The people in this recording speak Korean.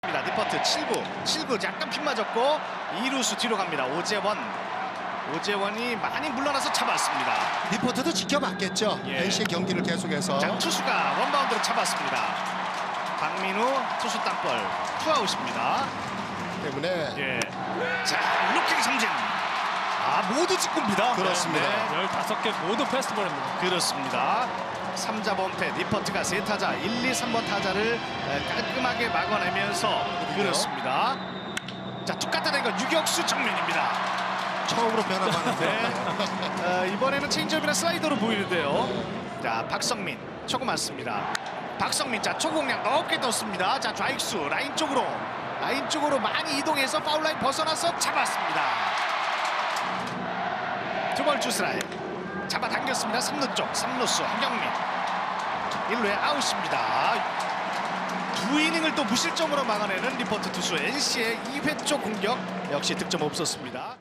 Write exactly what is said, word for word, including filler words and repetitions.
리퍼트 칠 구, 칠 구 약간 핀 맞았고 이 루수 뒤로 갑니다. 오재원. 오재원이 많이 물러나서 잡았습니다. 리포트도 지켜봤겠죠. 예. 엔씨의 경기를 계속해서. 자, 투수가 원바운드로 잡았습니다. 박민우 투수 땅볼 투아웃입니다. 때문에 예. 자, 루킹 삼진. 아, 모두 직구입니다. 그렇습니다. 네, 열다섯 개 모두 패스트볼입니다. 그렇습니다. 삼 자 범퇴 리퍼트가 세 타자 일, 이, 삼 번 타자를 깔끔하게 막아내면서 그렇습니다. 자, 툭 갖다 댄 건 유격수 정면입니다. 처음으로 변화하는데 네. 어, 이번에는 체인지업이나 슬라이더로 보이는데요. 자, 박성민 초구 맞습니다. 박성민 자 초구공략 높게 떴습니다. 자, 좌익수 라인 쪽으로 라인 쪽으로 많이 이동해서 파울 라인 벗어나서 잡았습니다. 두 번 주스라이 잡아당겼습니다. 삼 루 쪽 삼 루수 한경민 일 루에 아웃입니다. 두 이닝을 또 무실점으로 막아내는 리포트 투수 엔씨의 이 회 초 공격 역시 득점 없었습니다.